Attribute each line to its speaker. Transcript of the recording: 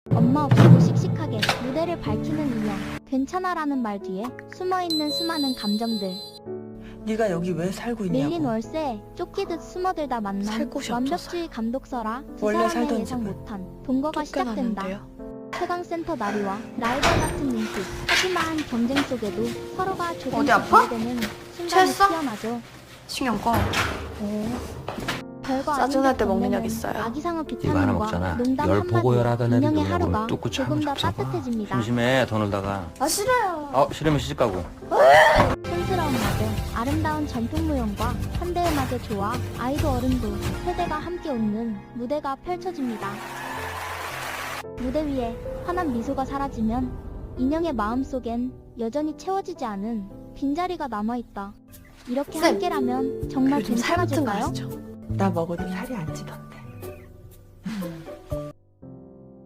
Speaker 1: 엄마 없이도 씩씩하게 무대를 밝히는 인형. 괜찮아라는 말 뒤에 숨어있는 수많은 감정들.
Speaker 2: 네가 여기 왜 살고 있냐고.
Speaker 1: 밀린 월세에 쫓기듯 숨어들다 만난
Speaker 2: 살 곳이
Speaker 1: 완벽주의 감독서라 두
Speaker 2: 원래
Speaker 1: 사람의
Speaker 2: 살던
Speaker 1: 예상
Speaker 2: 집은
Speaker 1: 못한 동거가 시작된다. 최강센터 나리와 라이벌 같은 인식. 하지만 경쟁 속에도 서로가 조금씩
Speaker 3: 어디 아파?
Speaker 1: 이해되는 순간이
Speaker 3: 체했어?
Speaker 1: 피어나죠.
Speaker 3: 신경 꺼.
Speaker 1: 별거
Speaker 3: 짜증날 때
Speaker 1: 아닌
Speaker 3: 먹는
Speaker 1: 듯
Speaker 3: 약 있어요.
Speaker 1: 아기상어
Speaker 4: 이거 하나
Speaker 1: 비타민과
Speaker 4: 먹잖아.
Speaker 1: 농담
Speaker 4: 열
Speaker 1: 한마디.
Speaker 4: 보고 열하던 애들
Speaker 1: 인형의
Speaker 4: 놀려고
Speaker 1: 하루가
Speaker 4: 뚝고 참고
Speaker 1: 조금 더
Speaker 4: 잡숴봐.
Speaker 1: 따뜻해집니다.
Speaker 4: 심심해 더 놀다가.
Speaker 3: 아 싫어요.
Speaker 4: 싫으면 시집 가고.
Speaker 1: 촌스러운 마저 아름다운 전통무용과 현대 음악의 조화, 아이도 어른도 세대가 함께 웃는 무대가 펼쳐집니다. 무대 위에 환한 미소가 사라지면 인형의 마음속엔 여전히 채워지지 않은 빈자리가 남아있다. 이렇게
Speaker 3: 쌤,
Speaker 1: 함께라면 정말
Speaker 3: 요즘 살 붙은 거
Speaker 1: 괜찮아질까요?
Speaker 3: 아시죠?
Speaker 2: 나 먹어도 살이 안 찌던데.